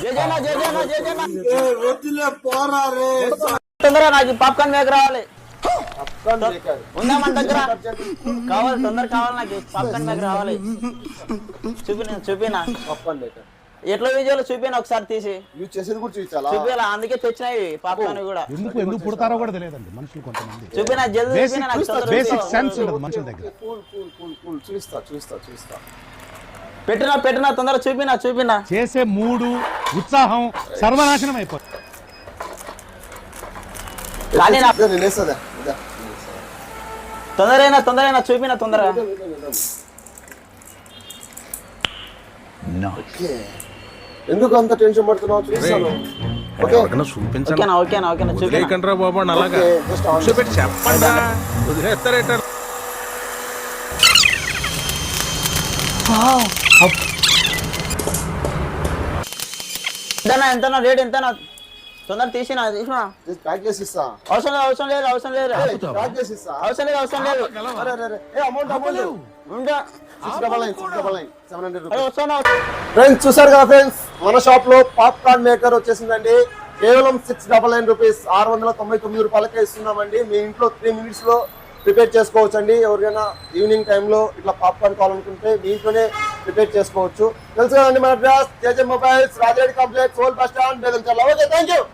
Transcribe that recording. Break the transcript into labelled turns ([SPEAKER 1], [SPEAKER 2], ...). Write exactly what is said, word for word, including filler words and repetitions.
[SPEAKER 1] తొందరగా నాకు popcorn maker రావాలి. ఉందా మన దగ్గర? కావాలి, తొందర కావాలి నాకు పాప్కార్న్ మేకర్ రావాలి. చూపిన చూపినా
[SPEAKER 2] పాప్కార్న్ మేకర్
[SPEAKER 1] ఎట్లా విజయాలు చూపిన ఒకసారి తీసి
[SPEAKER 2] యూజ్ చేసేది కూడా చూపించాలా?
[SPEAKER 1] చూపిలా, అందుకే తెచ్చినాయి పాప్కార్న్ కూడా.
[SPEAKER 3] ఎందుకు ఎందుకు పుడతారో కూడా తెలియదండి మనుషులు కొంతమంది.
[SPEAKER 1] చూపినా జల్దీ చూపినా నాకు తొందరగా
[SPEAKER 3] బేసిక్ సెన్స్ ఉండదు మనుషుల దగ్గర.
[SPEAKER 2] కూల్ కూల్ కూల్ కూల్ చూస్తా చూస్తా చూస్తా
[SPEAKER 1] పెట్టినా పెట్టినా తొందరగా చూపినా చూపినా.
[SPEAKER 3] చేసే మూడు ఉత్సాహం సర్వనాశనం అయిపోతుంది.
[SPEAKER 1] కానీ నా
[SPEAKER 2] నేను వేస్తాదా
[SPEAKER 1] తొందరైనా తొందరైనా చూపినా తొందరగా.
[SPEAKER 2] ఎందుకు అంత టెన్షన్ పడుతున్నావు? చూస్తాను.
[SPEAKER 1] ఓకేనా ఓకేనా ఓకేనా చూపినా.
[SPEAKER 4] బాబు అలాగా కూర్చోబెట్టి చెప్పండి, వదిలేస్తారేట.
[SPEAKER 1] ఎంతనా ఎంతనా రేట్ ఎంతనా? తొందర తీసినా తీసినా.
[SPEAKER 2] ప్యాక్ చేసి ఇస్తా.
[SPEAKER 1] అవసరం లేదు అవసరం లేదు అవసరం లేదు
[SPEAKER 2] ప్యాక్ చేసి ఇస్తా.
[SPEAKER 1] అవసరం లేదు అవసరం లేదు.
[SPEAKER 2] అరే అరే ఏ అమౌంట్ అమౌంట్
[SPEAKER 1] ఉందా?
[SPEAKER 2] Six double nine six double nine seven hundred
[SPEAKER 1] అరే
[SPEAKER 2] రూపీస్.
[SPEAKER 1] వస్తున్నా.
[SPEAKER 2] ఫ్రెండ్స్ చూసారు కదా ఫ్రెండ్స్, మన షాప్ లో పాప్కార్న్ మేకర్ వచ్చేసిందండి. కేవలం సిక్స్ డబల్ నైన్ రూపీస్, ఆరు వందల తొంభై తొమ్మిది రూపాయలకే ఇస్తున్నామండి. మీ ఇంట్లో త్రీ మినిట్స్ లో ప్రిపేర్ చేసుకోవచ్చు అండి. ఎవరికైనా ఈవినింగ్ టైంలో ఇట్లా పాప్కార్న్ కావాలనుకుంటే మీ ఇంట్లోనే ప్రిపేర్ చేసుకోవచ్చు. తెలుసు కదండి మన address JJ mobiles, Rajareddy complex, old bus stand, Bedamcharla. Okay, thank you.